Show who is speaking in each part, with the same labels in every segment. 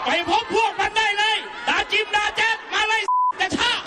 Speaker 1: ไปพบพวกมันได้เลยดาจิมดาแจ๊ดมาเลยกระชาก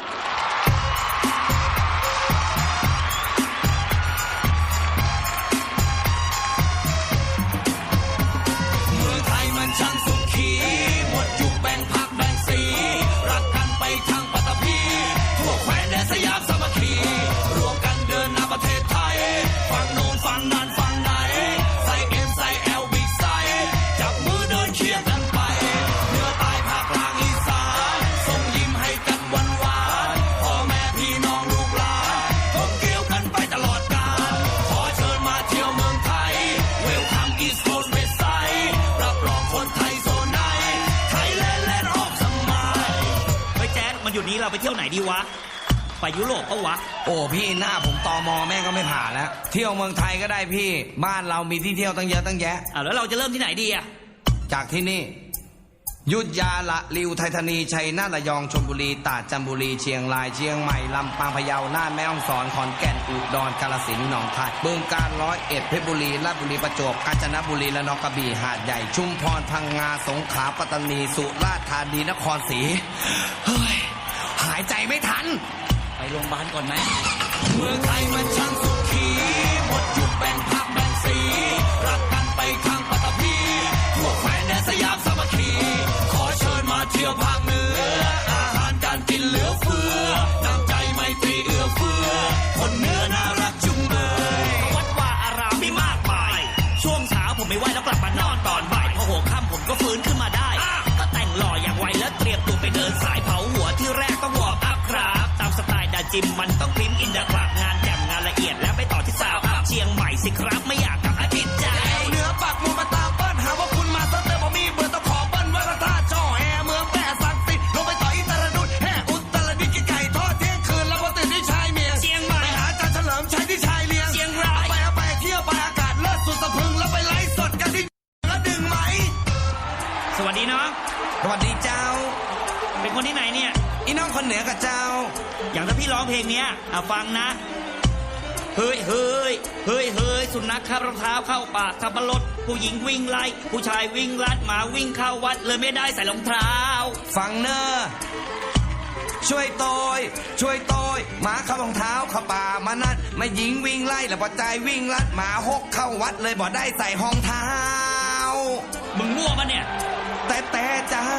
Speaker 2: เมืองไทยมันช่างสุขีหมดยุคแบ่งพรรคแบ่งสีรักกันไปทางปัตตภีทั่วแคว้นแดนสยามสามัคคีรวมกันเดินหน้าประเทศไทยฝั่งโน้นฝั่งนั้นฝั่งไหนใส่เอ็มใส่แอลบิ๊กไซจับมือเดินเคียงกันไปเหนือใต้ภาคกลางอีสานส่งยิ้มให้กันหวานหวานพ่อแม่พี่น้องลูกหลานท่องเที่ยวกันไปตลอดกาลขอเชิญมาเที่ยวเมืองไทยเวลคัมอีสต์โคสต์เวสต์ไซด์รับรองคนไทยโซนไหนไทยแลนด์แลนด์ออฟสมัย
Speaker 3: เฮ้ยแจ๊ดมันอยู่นี้เราไปเที่ยวไหนดีวะไปยุโรปปะวะ
Speaker 2: โอ้พี่หน้าผมตมแม่งก็ไม่ผ่านแล้วเที่ยวเมืองไทยก็ได้พี่บ้านเรามีที่เที่ยวตั้งเยอะตั้งแยะ
Speaker 3: แล้วเราจะเริ่มที่ไหนดีอะ
Speaker 2: จากที่นี่อยุธยาละริวไทยธานีชัยนาทระยองชลบุรีตราดจันทบุรีเชียงรายเชียงใหม่ลำปางพะเยาน่านแม่ฮ่องสอนขอนแก่นอุดรกาฬสินธุ์หนองคายบึงกาฬ101เพชรบุรีราชบุรีประจวบกาญจนบุรีระนองกระบี่หาดใหญ่ชุมพรพังงาสงขลาปัตตานีสุราษฎร์ธานีนครศรีเฮ้ยหายใจไม่ทัน
Speaker 3: ไปโรงพยาบาลก่อนไหม
Speaker 2: เมืองไทยมันช่างสุขีหมดยุคแบ่งพรรคแบ่งสีรักกันไปทางปัตตภีทั่วแคว้นแดนสยามสามัคคีขอเชิญมาเที่ยวภาคเหนืออาหารการกินเหลือเฟือน้ำใจไมตรีเอื้อเฟื้อคนเหนือน่ารักจุงเบย
Speaker 3: วัดว่าอารามมีมากมายช่วงเช้าผมไม่ไหวแล้วกลับมานอนตอนบ่ายพอหัวค่ำผมก็ฟื้นขึ้นมาได้ก็แต่งหล่ออย่างไวแล้วเตรียมตัวไปเดินสายเผาหัวที่แรกต้องวอร์มอัพครับตามสไตล์ดาจิมมันต้องพริมอินเดอะกลับงานแจ่มงานละเอียดแล้วไปต่อที่สาวอัพเชียงใหม่สิครับไม่อยากกลับอาทิตย์ใจ
Speaker 2: เหนือปักหมุดมาตามเปิ้ลหาว่าคุณมาสเตอร์ผมมีเบอร์ต้องขอเบิ้ลวัดพระธาตุจ่อแอเมืองแปะสักสิลงไปต่ออิตรดุษแห่อุตรดิตถ์กินไก่ทอดเที่ยงคืนแล้วพอตื่นที่ชายเมียง
Speaker 3: เชียงใหม่
Speaker 2: ไปหาอาจารย์เฉลิมชัยที่ชายเลียง
Speaker 3: เชียงราย
Speaker 2: ไปเที่ยวไปอากาศเลิศสุดสะพรึงแล้วไปไลฟ์สดกันที่แล้วดึงไหม
Speaker 3: สวัสดีน้อง
Speaker 2: สวัสดีเจ้า
Speaker 3: เป็นคนที่ไหนเนี่ย
Speaker 2: อีน้องคนเหนือกับเจ้า
Speaker 3: อย่างถ้าพี่ร้องเพลงเนี้ยฟังนะเฮ้ยเฮ้ยเฮ้ยเฮ้ยสุนัขคาบรองเท้าเข้าป่าขับรถผู้หญิงวิ่งไล่ผู้ชายวิ่งลัดหมาวิ่งเข้าวัดเลยไม่ได้ใส่รองเท้า
Speaker 2: ฟังเนอช่วยโตยหมาเข้ารองเท้าเข้าป่ามานั่นไม่หญิงวิ่งไล่แล้วพอใจวิ่งลัดหมาหกเข้าวัดเลยบ่ได้ใส่รองเท้า
Speaker 3: มึงมั่วปะเนี่ย
Speaker 2: แต่เจ้า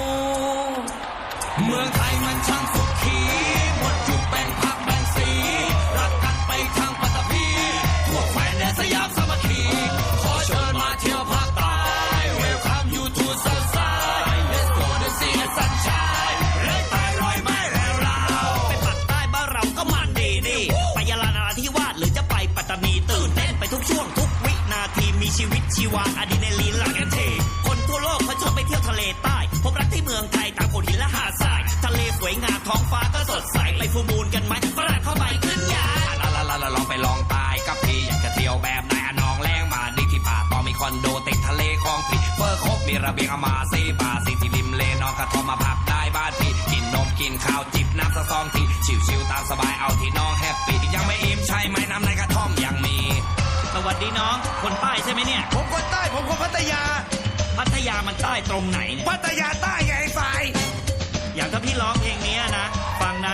Speaker 2: เมืองไทยมันช่างสุขีหมดยุคแบ่งพรรคแบ่งสีรักกันไปทางปัตตภีทั่วแคว้นแดนสยามสามัคคีขอเชิญมาเที่ยวภาคใต้ Welcome you to Southside Let's go to see the sunshine เลยใต้รอยไม้แล้วเรา
Speaker 3: ไปปักใต้บ้านเราก็มันดีนี่ไปยะลานราธิวาสหรือจะไปปัตตานีตื่นเต้นไปทุกช่วงทุกวินาทีมีชีวิตชีวาอะดรีนาลีนหลั่งกันเทคนทั่วโลกเขาชอบไปเที่ยวทะเลใต้พบรักที่เมืองไทยตามโขดหินและหาดทรายทะเลสวยงามท้องฟ้าก็สดใสไปฟูลมูนกันไหมฝรั่งเข้าไปขึ้นยา
Speaker 2: ลองไปลองตายกับพี่อยากจะเที่ยวแบบไหนอะน้องแรงมาดิที่ป่าต่อมีคอนโดติดทะเลคลองพี่เฟอร์ครบมีระเบียงอามาซีบาซีที่ริมเลนอนกระทอมมาพักได้บ้านพี่กินนมกินข้าวจิบน้ำสะซองที่ชิวๆตามสบายเอาที่น้องแฮปปี้ยังไม่อิ่มใช่ไหมน้ำในกระท่อมยังมี
Speaker 3: สวัสดีน้องคนใต้ใช่ไหมเนี่ย
Speaker 2: ผมคนใต้ผมคนพัทยา
Speaker 3: พัทยามันใต้ตรงไหนเนี่ย
Speaker 2: พัทยาใต้ไงไอ้ฝ่าย
Speaker 3: อย่างถ้าพี่ร้องเพลงนี้นะฟังนะ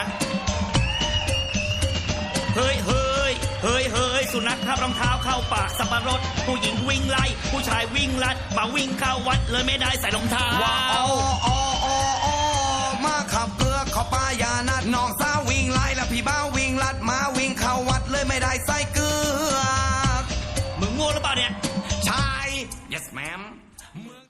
Speaker 3: เฮ้ยเฮ้ยเฮ้ยเฮ้ยสุนัขคาบรองเท้าเข้าป่าสับปะรดผู้หญิงวิ่งไล่ผู้ชายวิ่งลัดมาวิ่งเข้าวัดเลยไม่ได้ใส่รองเท้า
Speaker 2: ว้า